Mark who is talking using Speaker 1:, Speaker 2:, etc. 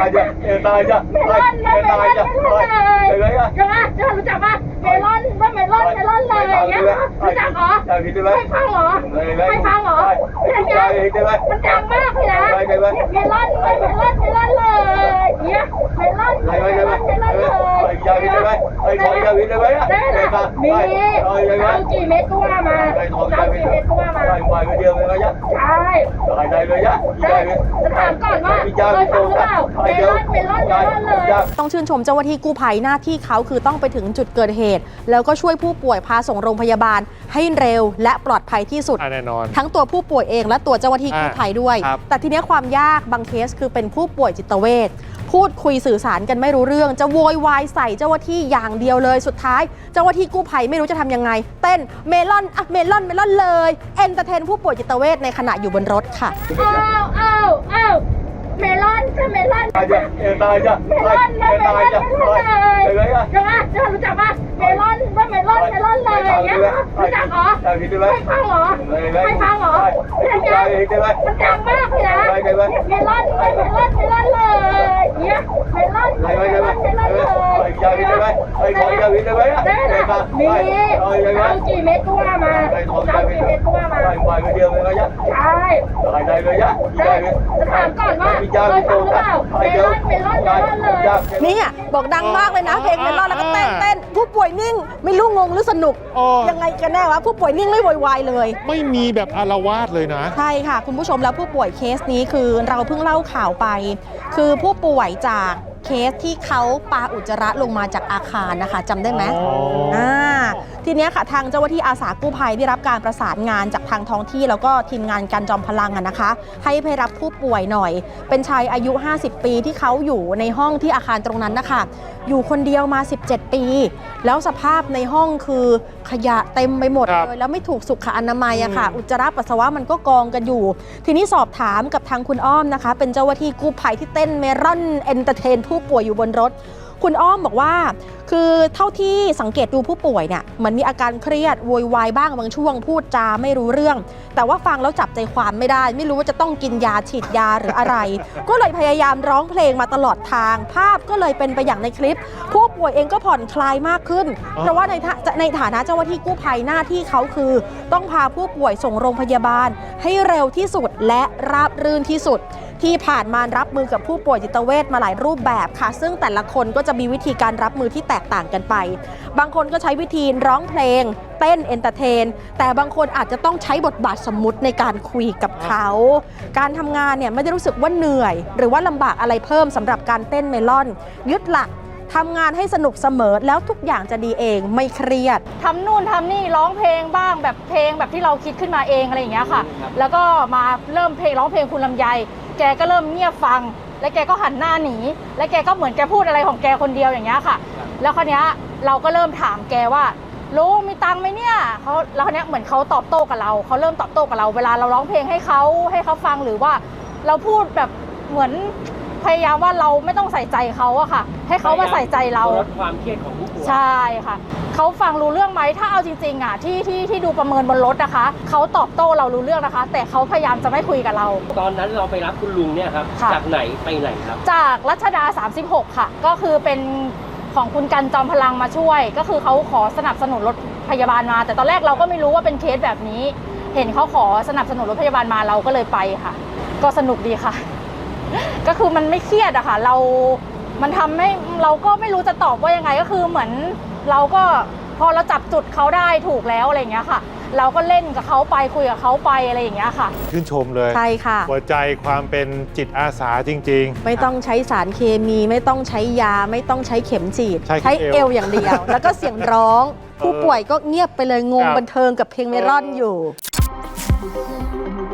Speaker 1: ตายจ้ะเมลอนเลยรู้จักปะเมลอนว่าเมลอนเลยอย่างเงี้ยรู้จักเหรอไม่ฟังเหรออย่างเงี้ยมันดังมากเลยนะเมลอนเลยเนี่ยเมลอนเลยมีเอากี่เม็ดก็ว่ามาใช่จะถามก่อนว่าเคยฟังหรือเปล่าเมลอนเลย
Speaker 2: ต้องชื่นชมเจ้าหน้าที่กู้ภัยหน้าที่เขาคือต้องไปถึงจุดเกิดเหตุแล้วก็ช่วยผู้ป่วยพาส่งโรงพยาบาลให้เร็วและปลอดภัยที่สุด
Speaker 3: แน่นอน
Speaker 2: ทั้งตัวผู้ป่วยเองและตัวเจ้าหน้าที่กู้ภัยด้วยแต่ทีนี้ความยากบางเคสคือเป็นผู้ป่วยจิตเวชพูดคุยสื่อสารกันไม่รู้เรื่องจะโวยวายใส่เจ้าหน้าที่อย่างเดียวเลยสุดท้ายเจ้าหน้าที่กู้ภัยไม่รู้จะทำยังไงเต้นเมลอนเลยเอนเตอร์เทนผู้ป่วยจิตเวชในขณะอยู่บนรถค่ะ
Speaker 1: เมลอนจะเมลอนตายจ้ะเลยรู้จักปะเมลอนว่าเมลอนเลยอย่างเงี้ยรู้จักเหรอไม่ฟังเหรออย่างเงี้ยมันดังมากเลยนะเมลอนเลยเนี่ยเมลอนเลยมีเอากี่เม็ดก็ว่ามาใช่จะถามก่อนว่าเคยฟังหรือเปล่าเมลอนเลย
Speaker 2: นี่บอกดังมากเลยนะเพลงเมลอนแล้วก็เต้นผู้ป่วยนิ่งไม่รู้งงหรือสนุกยังไงกันแน่วะผู้ป่วยนิ่งไม่โวยวายเลย
Speaker 3: ไม่มีแบบอาละวาดเลยนะ
Speaker 2: ใช่ค่ะคุณผู้ชมแล้วผู้ป่วยเคสนี้คือเราเพิ่งเล่าข่าวไปคือผู้ป่วยจากเคสที่เขาปาอุจจาระลงมาจากอาคารนะคะจำได้ไหมทีนี้ค่ะทางเจ้าหน้าที่อาสากู้ภัยได้รับการประสานงานจากทางท้องที่แล้วก็ทีมงานการจอมพลังนะคะให้ไปรับผู้ป่วยหน่อยเป็นชายอายุ50 ปีที่เขาอยู่ในห้องที่อาคารตรงนั้นนะคะอยู่คนเดียวมา17 ปีแล้วสภาพในห้องคือขยะเต็มไปหมดเลยแล้วไม่ถูกสุขอนามัยอะค่ะอุจจาระปัสสาวะมันก็กองกันอยู่ทีนี้สอบถามกับทางคุณอ้อมนะคะเป็นเจ้าหน้าที่กู้ภัยที่เต้นเมลอนเอนเตอร์เทนผู้ป่วยอยู่บนรถคุณอ้อมบอกว่าคือเท่าที่สังเกตดูผู้ป่วยเนี่ยเหมือนมีอาการเครียดโวยวายบ้างบางช่วงพูดจาไม่รู้เรื่องแต่ว่าฟังแล้วจับใจความไม่ได้ไม่รู้ว่าจะต้องกินยาฉีดยาหรืออะไรก็เลยพยายามร้องเพลงมาตลอดทางภาพก็เลยเป็นไปอย่างในคลิปผู้ป่วยเองก็ผ่อนคลายมากขึ้นเพราะว่าในฐานะเจ้าหน้าที่กู้ภัยหน้าที่เขาคือต้องพาผู้ป่วยส่งโรงพยาบาลให้เร็วที่สุดและราบรื่นที่สุดที่ผ่านมารับมือกับผู้ป่วยจิตเวชมาหลายรูปแบบค่ะซึ่งแต่ละคนก็จะมีวิธีการรับมือที่แตกต่างกันไปบางคนก็ใช้วิธีร้องเพลงเต้นเอนเตอร์เทนแต่บางคนอาจจะต้องใช้บทบาทสมมุติในการคุยกับเขาการทำงานเนี่ยไม่ได้รู้สึกว่าเหนื่อยหรือว่าลำบากอะไรเพิ่มสำหรับการเต้นเมลอนยึดหลักทำงานให้สนุกเสมอแล้วทุกอย่างจะดีเองไม่เครียด
Speaker 4: ทำนู่นทำนี่ร้องเพลงบ้างแบบเพลงแบบที่เราคิดขึ้นมาเองอะไรอย่างเงี้ยค่ะแล้วก็มาเริ่มร้องเพลงคุณลำไยแกก็เริ่มเงียบฟังและแกก็หันหน้าหนีและแกก็เหมือนแกพูดอะไรของแกคนเดียวอย่างเงี้ยค่ะแล้วคราวเนี้ยเราก็เริ่มถามแกว่าลุงมีตังค์ไหมเนี่ยเขาแล้วคราวเนี้ยเหมือนเขาตอบโต้กับเราเขาเริ่มตอบโต้กับเราเวลาเราร้องเพลงให้เขาฟังหรือว่าเราพูดแบบเหมือนพยายามว่าเราไม่ต้องใส่ใจเขาอะค่ะให้เขามาใส่ใจเรา
Speaker 5: ลดความเครียดของผู้ป่วย
Speaker 4: ใช่ค่ะเขาฟังรู้เรื่องไหมถ้าเอาจริงๆอะที่ดูประเมินบนรถนะคะเขาตอบโต้เรารู้เรื่องนะคะแต่เขาพยายามจะไม่คุยกับเรา
Speaker 5: ตอนนั้นเราไปรับคุณลุงเนี่ยครับจากไหนไปไหนครับ
Speaker 4: จากรัชดา36ค่ะก็คือเป็นของคุณกันจอมพลังมาช่วยก็คือเขาขอสนับสนุนรถพยาบาลมาแต่ตอนแรกเราก็ไม่รู้ว่าเป็นเคสแบบนี้เห็นเขาขอสนับสนุนรถพยาบาลมาเราก็เลยไปค่ะก็สนุกดีค่ะก็คือมันไม่เครียดอะค่ะมันทำให้เราก็ไม่รู้จะตอบว่ายังไงก็คือเหมือนเราก็พอเราจับจุดเขาได้ถูกแล้วอะไรอย่างเงี้ยค่ะเราก็เล่นกับเขาไปคุยกับเขาไปอะไรอย่างเงี้ยค่ะ
Speaker 3: ชื่นชมเลย
Speaker 2: ใช่ค่ะ
Speaker 3: หัวใจความเป็นจิตอาสาจริง
Speaker 2: ๆไม่ต้องใช้สารเคมีไม่ต้องใช้ยาไม่ต้องใช้เข็มฉีดใช้เอวอย่างเดียวแล้วก็เสียงร้องผู้ป่วยก็เงียบไปเลยงงบันเทิงกับเพลงเมลอนอยู่